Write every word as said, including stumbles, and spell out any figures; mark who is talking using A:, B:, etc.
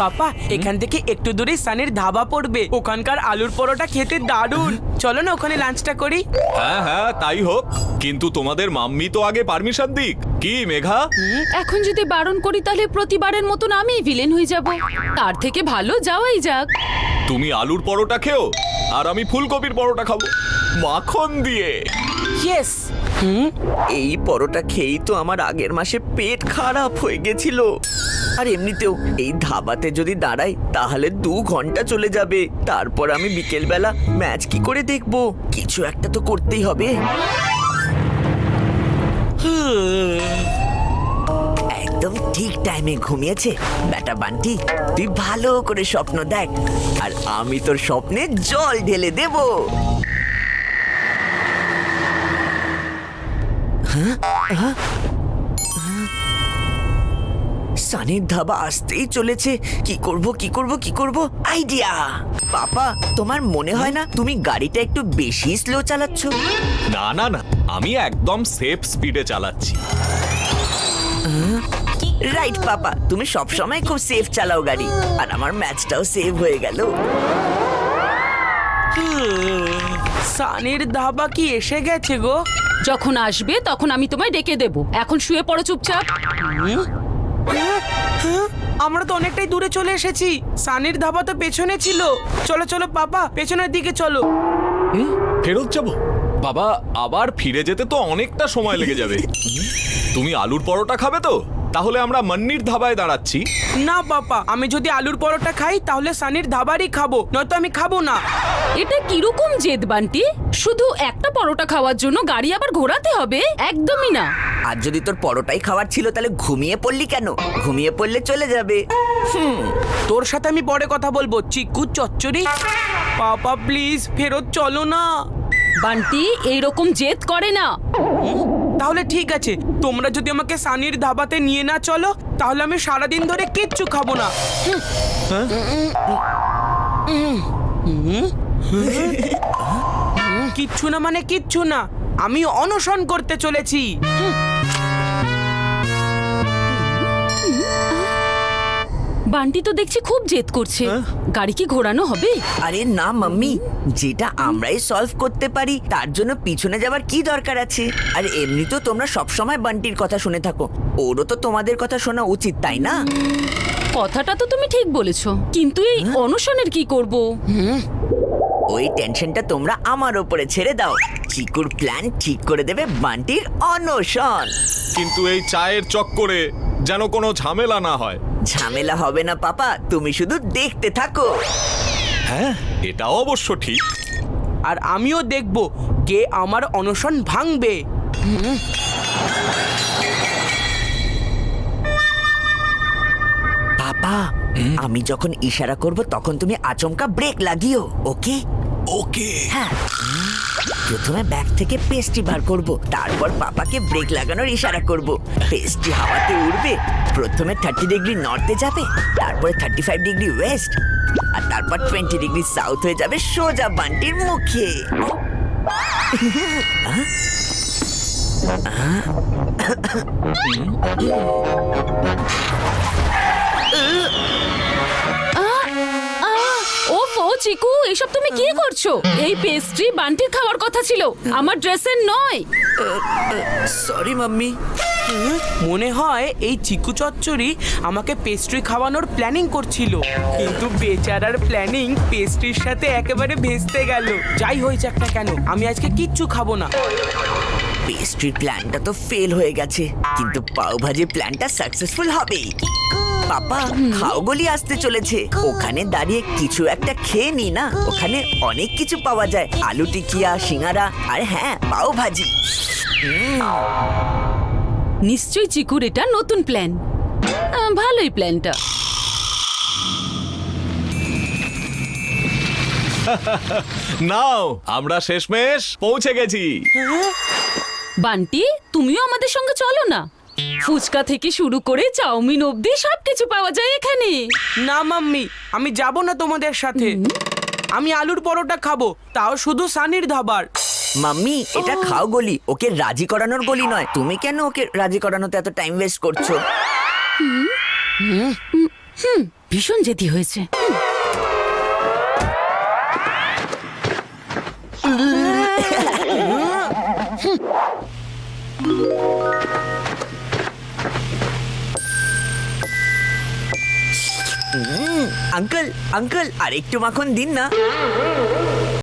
A: পাপা এখান থেকে একটু দূরে সানির ধাবা পড়বে, ওখানকার আলুর পরোটা খেতে দারুণ। চলো না ওখানে লাঞ্চটা করি।
B: হ্যাঁ হ্যাঁ তাই হোক, কিন্তু তোমাদের মাম্মি তো আগে পারমিশন দিক। কি মেঘা?
C: এখন যদি বারণ করি তাহলে প্রতিবারের মতন আমি ভিলেন হয়ে যাব। তার থেকে ভালো যাওয়াই যাক।
B: তুমি আলুর পরোটা খেও আর আমি ফুলকপির পরোটা খাবো মাখন দিয়ে।
A: ইয়েস।
D: হুম, এই পরোটা খেয়েই তো আমার আগের মাসে পেট খারাপ হয়ে গেছিল। আর এমনিতেও এই ধাবাতে যদি দাঁড়াই তাহলে দু ঘন্টা চলে যাবে। তারপর আমি বিকেলবেলা ম্যাচ কি করে দেখবো? কিছু একটা তো করতেই হবে। একদম ঠিক টাইমে ঘুমিয়েছে বেটা বান্টি। তুই ভালো করে স্বপ্ন দেখ আর আমি তোর স্বপ্নে জল ঢেলে দেব। সানির ধাবা আসতেই চলেছে। কি করব কি করব কি করব আইডিয়া। পাপা, তোমার মনে হয় না তুমি গাড়িটা একটু বেশি স্লো চালাচ্ছ?
B: না না না, আমি একদম সেফ স্পিডে চালাচ্ছি।
D: রাইট পাপা, তুমি সব সময় খুব সেফ চালাও গাড়ি। আর আমার ম্যাচটাও সেভ হয়ে গেল।
A: সানির ধাবা কি এসে গেছে গো?
C: যখন আসবে তখন আমি তোমায় ডেকে দেব। এখন শুয়ে পড়ো চুপচাপ।
A: আমরা তো অনেকটাই দূরে চলে এসেছি। সানির ধাবা তো পেছনে ছিল। চলো চলো পাপা, পেছনের দিকে চলো।
B: ফেরত যাব? বাবা, আবার ফিরে যেতে তো অনেকটা সময় লেগে যাবে। তুমি আলুর পরোটা খাবে তো? তাহলে আমরা মান্নির ধাবায় দাঁড়াচ্ছি।
A: না পাপা, আমি যদি আলুর পরোটা খাই তাহলে সানির ধাবারই খাবো, নয়তো আমি খাবো না।
C: এটা কিরকম জেদ বান্টি? শুধু একটা পরোটা খাওয়ার জন্য গাড়ি আবার ঘোরাতে হবে? একদমই না।
D: আর যদি তোর পরোটাই খাওয়ার ছিল তাহলে ঘুমিয়ে পড়লি কেন? ঘুমিয়ে পড়লে চলে যাবে। হুম,
A: তোর সাথে আমি পরে কথা বলবো চিকু চচ্চড়ি। পাপা প্লিজ ফেরত চলো না।
C: বান্টি এইরকম জেদ করে না।
A: তাহলে ঠিক আছে, তোমরা যদি আমাকে সানির ধাবাতে নিয়ে না চলো তাহলে আমি সারাদিন ধরে কিচ্ছু খাবো না। কিচ্ছু না মানে কিচ্ছু না, আমি অনশন করতে চলেছি।
C: বান্টি তো দেখছি খুব জেদ করছে। গাড়ি কি ঘোরানো হবে?
D: আরে না মাম্মি, যেটা আমরাই সলভ করতে পারি তার জন্য পিছনে যাবার কি দরকার আছে? আর এমনিতেও তোমরা সবসময় বান্টির কথা শুনে থাকো, ওরও তো তোমাদের কথা শোনা উচিত, তাই না?
C: কথাটা তো তুমি ঠিক বলেছো, কিন্তু এই অনশনের কি করব?
D: ওই টেনশনটা তোমরা আমার ওপরে ছেড়ে দাও। চিকুর প্ল্যান ঠিক করে দেবে বান্টির অনশন।
B: কিন্তু এই চায়ের চক্করে যেন কোনো ঝামেলা না হয়।
D: ঝামেলা হবে না পাপা, তুমি শুধু দেখতে থাকো।
B: হ্যাঁ, এটা অবশ্য ঠিক।
A: আর আমিও দেখব কে আমার অনশন ভাঙবে।
D: পাপা, আমি যখন ইশারা করব তখন তুমি আচমকা ব্রেক লাগিও, ওকে?
B: ওকে।
D: হ্যাঁ, প্রথমে ব্যাগ থেকে পেস্ট্রি বার করব, তারপর পাপাকে ব্রেক লাগানোর ইশারা করব। পেস্ট্রি হাওয়াতে উড়বে, প্রথমে থার্টি ডিগ্রি নর্থে যাবে, তারপরে থার্টি ফাইভ ডিগ্রি ওয়েস্ট, আর তারপর টোয়েন্টি ডিগ্রি সাউথ হয়ে যাবে সোজা বান্টির মুখে।
C: ওফো চিকু, এসব তুমি কি করছো? এই পেস্ট্রি বান্টির খাওয়ার কথা ছিল, আমার ড্রেসের নয়।
D: Sorry mummy.
A: মনে হয় এই চিকু চচ্চড়ি আমাকে পেস্ট্রি খাওয়ানোর প্ল্যানিং করছিল, কিন্তু বেচারার প্ল্যানিং পেস্ট্রির সাথে একেবারে ভেস্তে গেল। যাই হয়েছে একটা কেন, আমি আজকে কিচ্ছু খাবো না।
D: পেস্ট্রির প্ল্যানটা তো ফেল হয়ে গেছে, কিন্তু পাও ভাজি প্ল্যানটা সাকসেসফুল হবেই। পাপা, খাওগলি আসতে চলেছে, ওখানে দাঁড়িয়ে কিছু একটা খেয়ে নি না। ওখানে অনেক কিছু পাওয়া যায়, আলু টিকিয়া, সিঙ্গারা, আর হ্যাঁ পাও ভাজি।
C: নিশ্চয়ই চিকুর এটা নতুন প্ল্যান। আহ, ভালোই প্ল্যানটা।
B: নাও, আমরা শেষমেশ পৌঁছে গেছি।
C: বান্টি, তুমিও আমাদের সঙ্গে চলো না। ফুচকা থেকে শুরু করে চাউমিন অবধি সবকিছু পাওয়া যায় এখানে।
A: না মাম্মি, আমি যাব না তোমাদের সাথে। আমি আলুর পরোটা খাবো, তাও শুধু সানির ধাবার।
D: মাম্মি, এটা খাও গলি, ওকে রাজি করানোর গলি নয়। তুমি কেন ওকে রাজি করানোতে এত টাইম ওয়েস্ট করছো?
C: হুম ভীষণ জেদি হয়েছে। হুম,
D: আঙ্কেল আঙ্কেল আর একটু মাখন দিন না।